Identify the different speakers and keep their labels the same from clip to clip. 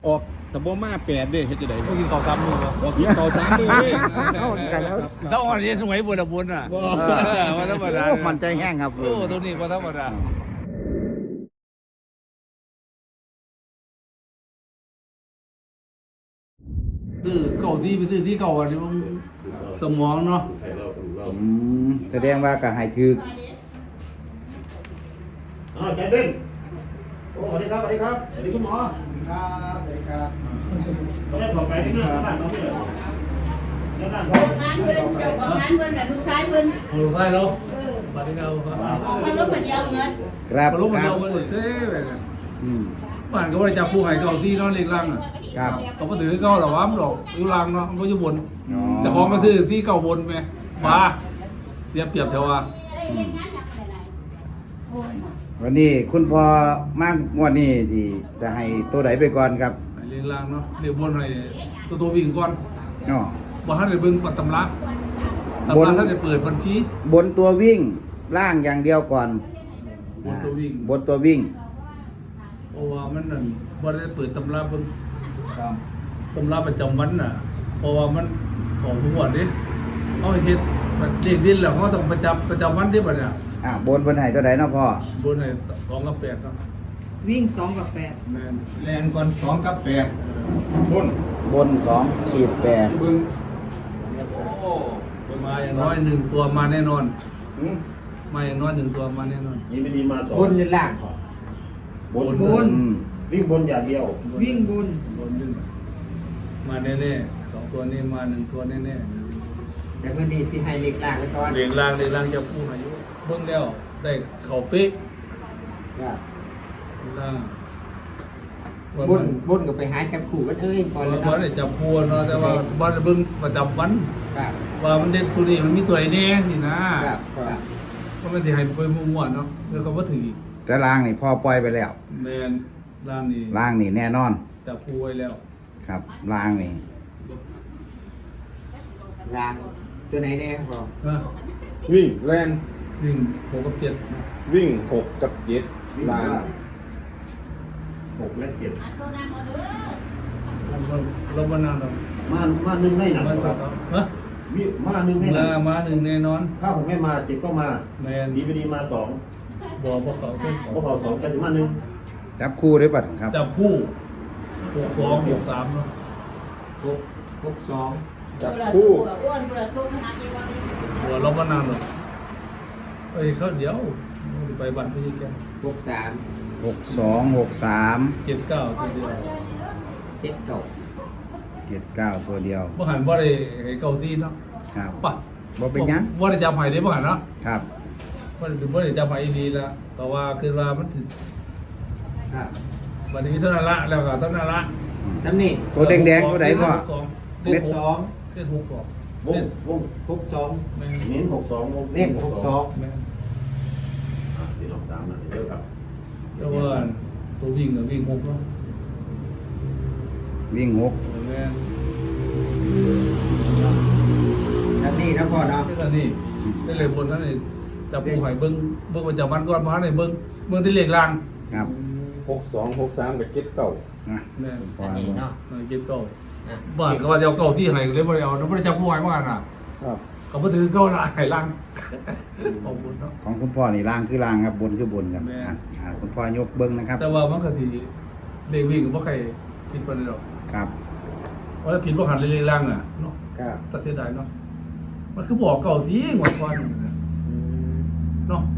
Speaker 1: ออกตะบ่มา8เด้เฮ็ดจังได๋
Speaker 2: พวกกินข้าวซ้ำมือบ่
Speaker 1: ออกกินข้าว3มื้อเด้
Speaker 3: เอากันแล้ว
Speaker 2: ถ้าอ่อนนี่สมัยบุญบุญอ่ะว่าธรรมดา
Speaker 3: มันใจแห้งครับ
Speaker 2: โอ้ตัวนี้ว่าธรรมดาซื้อเก่าที่ไปซื้อที่เก่าอันนี้มันสมองเนาะ
Speaker 3: แสดงว่าก็ให้ถือ
Speaker 4: ใจเบ้นโอ้สวัสดีครับสวัสดีครับสวัสดีคุณหมอ
Speaker 3: ครับครับ
Speaker 4: ตอนแรกบอกไปที่หน้าบ้านน้องนี่เลยแล้วนั่น
Speaker 5: งานเงินเจ้าของงานเงินน่ะลูกชายเงิน
Speaker 2: โอ้ยได้แล้วบัดนี้เอาครับ
Speaker 5: มันลดมันยาวเงิน
Speaker 3: ครับ
Speaker 2: มาลุกมันเอาเลยเซ่ไปกัน
Speaker 3: อืม
Speaker 2: บ้านก็ว่าจับผู้ให้เก่าที่เนาะเล็กลังอ่ะ
Speaker 3: ครับ
Speaker 2: เขาก็ถือเก่าหรอวะมันดอกอยู่ลังเนาะมันก็อยู่บนแต่ของมาซื้อที่เก่าบนไหมบ้าเสียเปรียบเทว่า
Speaker 3: วันนี้คุณพ่อมากงวดนี้ที่จะให้ตัวไหนไปก่อนครับ
Speaker 2: ให้เล็กลังเนาะเรียกบนให้ตัววิ่งก่อน
Speaker 3: อ๋อ
Speaker 2: บ่ทันได้เบิ่งปัตตำราตำ
Speaker 3: บ
Speaker 2: ราน ท่านได้เปิดบัญชี
Speaker 3: บนตัววิ่งล่างอย่างเดียวก่อน
Speaker 2: บนตัววิ่ง
Speaker 3: บนตัววิ่ง
Speaker 2: เพราะว่ามันนั่นบ่ได้เปิดตำราเบิ่งตำราประจำวันน่ะเพราะว่ามันของทุกวันนี้เอาเฮ็ดมันเด็กดินแล้วเขาต้องประจำวันที่บัดเนี่ย
Speaker 3: บนให้ตัวไหนเนาะพ่อบ
Speaker 2: นให้2กับ8ครับ
Speaker 6: วิ่ง2 กับ 8
Speaker 2: แม่น
Speaker 1: แล่นก่อน2กับ8บน
Speaker 3: บน2-8
Speaker 1: เบิ่ง
Speaker 2: มาอย่างน้อย1ตัวมาแน่นอนมาอย่างน้อย1ตัวมาแน่นอน
Speaker 4: ยินดีมาสอง
Speaker 6: บนหรือล่าง
Speaker 4: บน
Speaker 6: บน
Speaker 4: วิ่งบนอย่างเดียว
Speaker 6: วิ่งบน
Speaker 2: บนขึ้นมาแน่ๆ2ตัวนี้มา1ตัวแน่ๆ
Speaker 6: แต่วันนี้สิให้เล็กล่างไว้ก่อน
Speaker 2: เรียงรางจะพูดอายุเบิ่งแล้วได้เข่าเป๊ะ
Speaker 6: ครับ
Speaker 2: ล่าง
Speaker 6: บนก็ไปหาจับคู่กันก่อน
Speaker 2: แล้
Speaker 6: แล้ว ว
Speaker 2: บ่
Speaker 6: เนาะ
Speaker 2: ได้จับพัวเนาะแต่ว่าบ่ได้เบิ่งประจำวัน
Speaker 6: ครับ
Speaker 2: ว่ามันเด่นตัวนี้มันมีตัวไหนแน่นี่นะครับ
Speaker 6: ครับ
Speaker 2: ก็ไม่ได้ให้ไปมั่วๆเนาะแล้วก็บ่ถืออีก
Speaker 3: จะล่างนี่พ่อปล่อยไปแล้ว
Speaker 2: แม่นล่างนี่
Speaker 3: ล่างนี่แน่นอน
Speaker 2: จับพัวไว้แล้ว
Speaker 3: ครับล่างนี่
Speaker 6: ล่างตัวไหนแน่พอ
Speaker 2: ฮะ
Speaker 1: วิ่งแล่น
Speaker 2: วิ่ง6กับ7
Speaker 1: วิ่ง6กับ7ลาง
Speaker 4: 6 และ 7
Speaker 2: เราบ่นานดอก
Speaker 4: มาหนึ่งได้หนัก
Speaker 2: มัน
Speaker 4: ครับ
Speaker 2: ฮะ
Speaker 4: มาหนึ่งได้หนัก
Speaker 2: มาหนึ่งแน่นอน
Speaker 4: ถ้าผมไม่มา7ก็มา
Speaker 2: แม่น
Speaker 4: ดีมา2
Speaker 2: บ่เขาเพิ่น
Speaker 4: พวกเขา2แต่สิมา1
Speaker 3: จับคู่ได้ปัดครับ
Speaker 2: จับคู่62 63เนาะ
Speaker 6: 62
Speaker 1: จับคู่
Speaker 5: อ้วนประตูขนาดนี้ว่า
Speaker 2: หัวเราบ่นานหรอกเอ้ยเขาเดี๋ยวไปบ้านพี่แก
Speaker 6: 63
Speaker 3: 62-63
Speaker 2: 79ตัวเดียว
Speaker 6: 79
Speaker 3: 79ตัวเดียว
Speaker 2: บ่หันบ่ได้ให้เก่าซีเนาะ
Speaker 3: ครับ
Speaker 2: ป่ะ
Speaker 3: บ่เป็นหยัง
Speaker 2: บ่ได้จำให้ได้บ่หันเนาะ
Speaker 3: ครับ
Speaker 2: บ่ได้จำให้ดีละแต่ว่าคือว่ามันถึง
Speaker 6: ครับ
Speaker 2: บัดนี้เท่านั้นละแล้วก็เท่านั้นละ
Speaker 6: จำนี่
Speaker 3: ตัวแดงๆตัวไหนพ่อ
Speaker 2: เม็ด
Speaker 6: 62
Speaker 2: เม็ด6กอก
Speaker 4: วง
Speaker 6: 62
Speaker 2: แม่
Speaker 4: เน้น62วง
Speaker 6: เน้น62
Speaker 2: แม่
Speaker 4: พี่น้องตามนะเยอะครับ
Speaker 2: แล้วว่าตัววิ่งก็วิ่ง6เนาะ
Speaker 3: วิ่ง6
Speaker 2: แม่น
Speaker 6: จำนี่นะพ่อเนาะ
Speaker 2: นี่ก็นี่ได้เลยบนนั้นนี่จับผู้ให้เบิ่งประจำวันก่อนมาให้เบิ่งที่เลขล่าง
Speaker 3: ครับ
Speaker 1: 62 63กับ79
Speaker 3: นะ
Speaker 2: แม่น
Speaker 3: พอ
Speaker 6: อันนี้เนาะ
Speaker 2: เก็บเก่า
Speaker 6: อ่ะ
Speaker 2: บ้านก็ว่าจะเอาเก่าที่ให้เลยบ่ได้เอาบ่ได้จับผู้ให้มาน่ะ
Speaker 1: ครับ
Speaker 2: ก็บ่ถือเก่าละให้ล่างขอบคุณเนาะ
Speaker 3: ของคุณพ่อนี่ล่างคือล่างครับบนคือบนครับ
Speaker 2: แม่
Speaker 3: คุณพ่อยกเบิ้งนะครับ
Speaker 2: แต่ว่ามันก็สิเลขวิ่งก็บ่ใครคิดปานใดดอก
Speaker 3: ครับ
Speaker 2: เพราะถ้าผิดบ่หันเลขล่างน่ะเนาะ
Speaker 6: ครับ
Speaker 2: ตัดเสียดายเนาะมันคือบอกเก่าสิงวดก่อน
Speaker 6: อืม
Speaker 2: เนาะ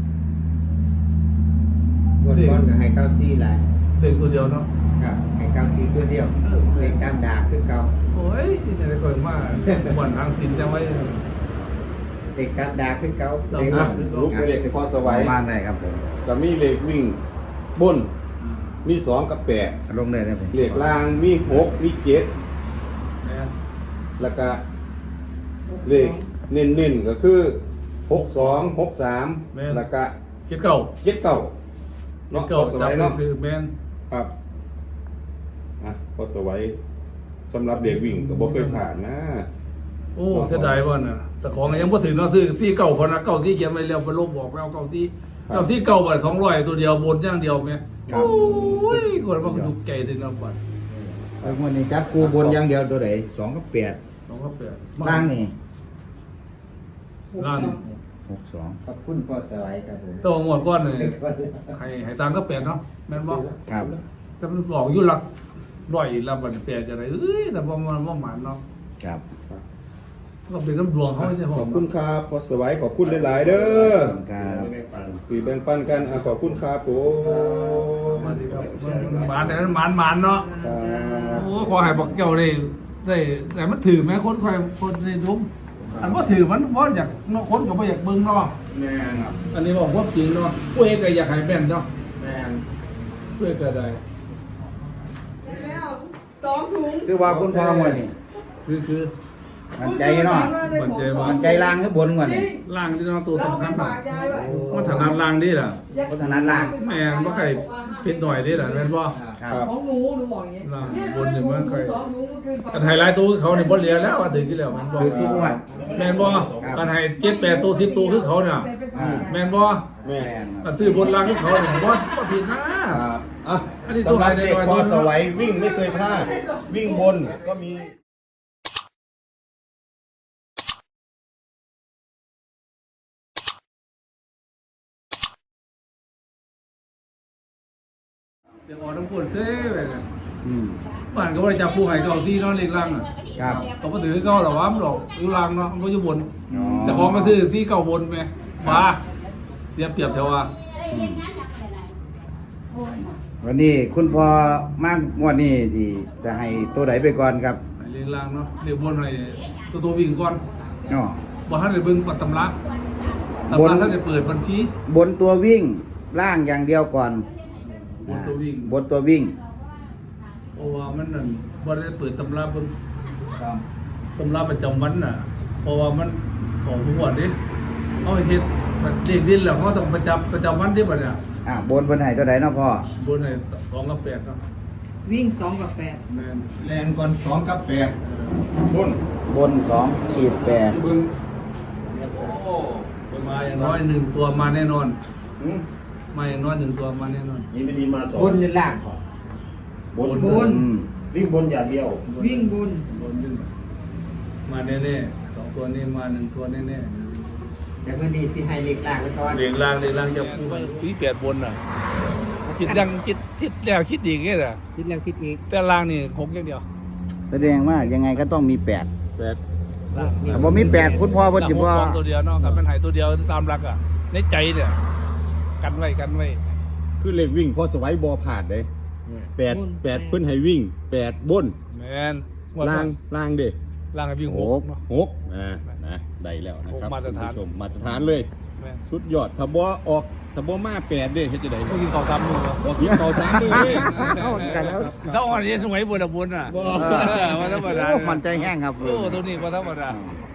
Speaker 6: งวดก่อนก็ให้94หลาย
Speaker 2: เลขตัวเดียวเนาะ
Speaker 6: ครับให้94ตัวเดียวเลขตามดาคือเก่า
Speaker 2: โอ้ยจะได้ค่อยมาบ่อนทางศีลจังไว้
Speaker 6: เลขตามดาคือเก่า
Speaker 2: ตาม
Speaker 6: เลข
Speaker 2: ดา
Speaker 1: ลุกไปเลยพอส
Speaker 3: ไว้
Speaker 1: วัย
Speaker 3: บ้านได้ครับผม
Speaker 1: ก็มีเลขวิ่งบนมี2กับ8
Speaker 3: ลงได้เลยผม
Speaker 1: เลขล่างมี6มี7
Speaker 2: แม่น
Speaker 1: แล้วก็เลขเน้นๆก็คือ62 63แล้วก็
Speaker 2: คิดเก่า
Speaker 1: 79
Speaker 2: คิด
Speaker 1: เนาะ
Speaker 2: เก่า
Speaker 1: พอส
Speaker 2: จั
Speaker 1: วั
Speaker 2: บ
Speaker 1: ยเนาะ
Speaker 2: คือแม่น
Speaker 1: ครับพอสวัยสำหรับเด็กวิ่งก็บ่เคยผ่านนะ
Speaker 2: โอ้เสียดายว่าน่ะแต่ของยังบ่ถึงเนาะซื้อที่เก่าพอนะเก่าที่เขียนไว้แล้วไปลบบอกไปเอาเก่าที่เก่าที่เก่าบาท200ตัวเดียวบนอย่างเดียวแม่โอ้ยคนมันก็ถูกใจถึงแล้วบัด
Speaker 1: ค
Speaker 3: แล้ววันนี้จับกูบนอย่างเดียวตัวไหน2 กับ
Speaker 2: 2 กับ
Speaker 3: 8
Speaker 2: 8
Speaker 3: ล่างนี่
Speaker 2: ล่าง
Speaker 3: 62
Speaker 6: ขอบคุณพ่อสวัยครับผม
Speaker 2: ตัวหมวดก้อนเลยให้ตามก็8เนาะแม่นบ่
Speaker 3: ครับ
Speaker 2: แต่มันบอกอยู่หลักร้อยแล้วบัดนี้8จะได้แต่บ่มันบ่หมานเนาะ
Speaker 3: ครับ
Speaker 2: ก็เป็นน้ำดวงเขาใช่
Speaker 1: ข
Speaker 2: ผ
Speaker 1: อบ
Speaker 2: ม
Speaker 1: คุณครับพอสวัยขอบคุณหลายๆเด้อ
Speaker 3: ครับ
Speaker 1: คุยแบ่งปันกันขอบคุณครับผม
Speaker 2: มาดีครับหมานแต่นั้นหมานเนาะ
Speaker 1: ครับ
Speaker 2: โอ้ขอให้บอกเจ้าได้แต่มันถือไหมคนในทุกอันว่าถือมันว่าอยากเนาะคนก็บ่อยากเบิ่งเนาะ
Speaker 1: แม่ครับ
Speaker 2: อันนี้บอกว่าจริงเนาะผู้เอกก็อยากให้แม่นเนาะ
Speaker 1: แม่
Speaker 2: ผู้เอกก็ได้
Speaker 3: คือว่าคุณพ่อวันนี้
Speaker 2: คือ
Speaker 3: มันใจเนาะ
Speaker 2: มันใจว่า
Speaker 3: มันใจล่างหรือบนวันนี้
Speaker 2: ล่างที่เนาะตัวสำคัญเนาะมันถนัดล่างดีล่ะ
Speaker 3: พัฒนาล่าง
Speaker 2: แม่นบ่ใครผิดหน่อยดีล่ะแม่นบ่
Speaker 3: ครับ
Speaker 7: ของหนูบอกอย่างเงี้ย
Speaker 2: ล่างบนนี่มันค่อย
Speaker 7: ของหนูมันคือ
Speaker 2: กันไฮไลท์ตัวเขานี่บ่เหลือแล้วว่าถึงกี่แล้วแม่นบ่
Speaker 3: คือทุกงวัน
Speaker 2: แม่นบ่กันให้7 8ตัว10ตัวคือเขาเนี่ยแม่นบ่
Speaker 1: แม่
Speaker 3: แม่นค
Speaker 2: กั
Speaker 3: รับ
Speaker 2: นซื้อบนล่างคือเขาเนี่ยบ่ผิดนะ
Speaker 1: ครับอ่ะ
Speaker 2: อันนี้
Speaker 1: สำหรับเด็ก
Speaker 2: ตัวไหน
Speaker 1: พอสวัยวิ่งไม่เคยพลาด วิ่งบนก็มี
Speaker 2: เสียงออกน้ำกวนเซ่ไปเนี่ย
Speaker 3: อืม
Speaker 2: บ้านก็บ่ได้จับผู้ให้เก่าที่เนาะเล็กล่างอ่ะ
Speaker 3: ครับ
Speaker 2: ก็บ่ถือเก่าหรอกว่ามันดอกอยู่ล่างเนาะมันก็อยู่บน
Speaker 3: อ๋อ
Speaker 2: แต่ของก็ซื้อที่เก่าบนไปบ้าเสียเปรียบแถวว่า
Speaker 3: วันนี้คุณพ่อมากงวันนี้ที่จะให้ตัวไหนไปก่อนครับ
Speaker 2: ให้เล็กล่างเนาะเล็กบนให้ตัววิ่งก่อน
Speaker 3: อ๋อ
Speaker 2: บ่ทันได้เบิ่งปัตตำราตำ
Speaker 3: บน
Speaker 2: ราท่านได้เปิดบัญชี
Speaker 3: บนตัววิ่งล่างอย่างเดียวก่อน
Speaker 2: บนตัววิ่ง
Speaker 3: บนตัววิ่ง
Speaker 2: เพราะว่ามันนั่นบ่ได้เปิดตำราเบิ่งตำราประจำวันน่ะ เพราะว่ามันของทุกวันนี้เอาเฮ็ดแบบเด็กดินแล้วเขาต้องประจำวันที่บัดเนี่ย
Speaker 3: บนให้ตัวไหนเนาะพ่อบ
Speaker 2: นให้2กับ8เนาะ
Speaker 7: วิ่ง2 กับ 8
Speaker 2: แม่น
Speaker 1: แลนก่อน2 กับ 8 บน
Speaker 3: บน2-8
Speaker 1: บึง
Speaker 2: มาอย่างน้อย1ตัวมาแน่นอน
Speaker 1: อืม
Speaker 2: มาอย่างน้อย1ตัวมาแน่นอน
Speaker 4: นี่ไม่ดีมาสอง
Speaker 6: บนหรือล่างพ่อบ
Speaker 2: น
Speaker 3: อืม
Speaker 4: วิ่งบนอย่างเดียว
Speaker 7: วิ่งบน
Speaker 2: บนขึ้นมาแน่ๆ2ตัวนี้มา1ตัวแน่
Speaker 6: แต่เมื่อนี้สิให้เล็กล่างไว้ก่อน
Speaker 2: ๆเรียงล่างจะปี8บนน่ะคิดยังคิดแล้วคิดอีกแค่น่ะ
Speaker 6: คิดแล้วคิดอีก
Speaker 2: แต่ล่างนี่6อย่างเดียว
Speaker 3: แสดงว่ายังไงก็ต้องมี 8
Speaker 2: ล่าง
Speaker 3: แต่บ่มี8คุณพ่อเพิ่นสิบ่
Speaker 2: ล่างตัวเดียวเนาะครับมันให้ตัวเดียวตามหลักอ่ะในใจเนี่ยกันไว้
Speaker 1: คือเลขวิ่งพอสวัยบอผ่านเลย8 8เพิ่นให้วิ่ง 8 บน
Speaker 2: แม่น
Speaker 1: ล่างเด้
Speaker 2: ล่างให้วิ่ง
Speaker 3: โอ้
Speaker 2: 6เนาะ
Speaker 1: 6นะได้แล้วนะครับ
Speaker 2: มาตรฐาน
Speaker 1: คุณผู้ชมมาตรฐานเลย
Speaker 2: แม่น
Speaker 1: สุดยอดถ้าบ่ออกถ้าบ่มา8เด้เฮ็ดจังได๋
Speaker 2: พวกกินข้าวซ้ำมือวะ
Speaker 1: บ่กินข้าว3มื้อเลย
Speaker 3: เอากันแล้ว
Speaker 2: ถ้าอ่อนนี่สมัยบนอ่ะบนอ่ะ
Speaker 1: บ่
Speaker 2: มาธรรมดา
Speaker 3: โอ้มันใจแห้งครับ
Speaker 2: โอ้ตัวนี้มาธรรมดา